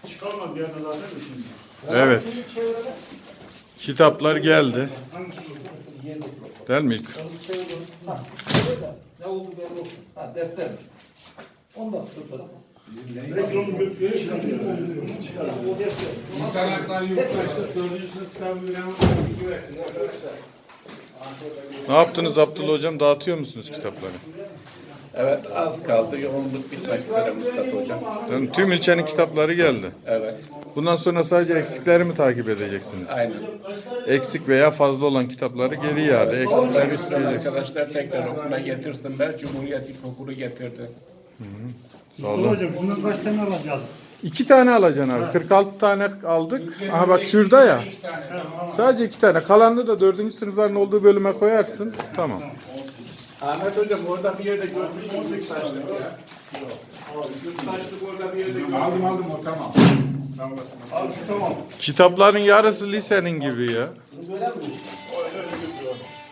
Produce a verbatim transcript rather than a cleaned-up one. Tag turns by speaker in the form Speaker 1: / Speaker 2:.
Speaker 1: Çıkarma bir yerden zaten de şimdi.
Speaker 2: Evet. Kitaplar geldi. Değil mi?
Speaker 3: Ha, öyle de. Ne oldu belli olsun. Ha, defter. Ondan sonra.
Speaker 1: Belki onu götürüyor çıkarıyor.
Speaker 3: O defter.
Speaker 4: İnsan hakları yurttaşlık dördüncü sınıf kitabı veren güversin arkadaşlar.
Speaker 2: Ne yaptınız Abdullah Hocam? Dağıtıyor musunuz kitapları?
Speaker 5: Evet, az kaldı. Yoğunluk bitmek üzere Mustafa Hocam.
Speaker 2: Yani tüm ilçenin kitapları geldi.
Speaker 5: Evet,
Speaker 2: Bundan sonra sadece eksikleri mi takip edeceksiniz?
Speaker 5: aynen.
Speaker 2: Eksik veya fazla olan kitapları geri iade, eksikleri
Speaker 5: Buradan
Speaker 2: isteyeceksiniz.
Speaker 5: arkadaşlar tekrar okula getirsinler. Cumhuriyet İlkokulu getirdi.
Speaker 2: Sağ olun.
Speaker 1: Hocam bundan kaç tane alacağız?
Speaker 2: İki tane alacaksın abi. kırk altı tane aldık. Aha bak şurada ya.
Speaker 4: İki tane. Tamam.
Speaker 2: Sadece iki tane. Kalanını da dördüncü sınıfların olduğu bölüme koyarsın. Tamam.
Speaker 5: Ahmet Hocam orada bir yerde görmüştüm yurttaşlık ya. Yurttaşlık orada bir yerde görmüştüm.
Speaker 4: Aldım aldım o tamam. Sağ olasın.
Speaker 1: Abi şu tamam.
Speaker 2: Kitapların yarısı lisenin gibi ya.
Speaker 3: Böyle mi?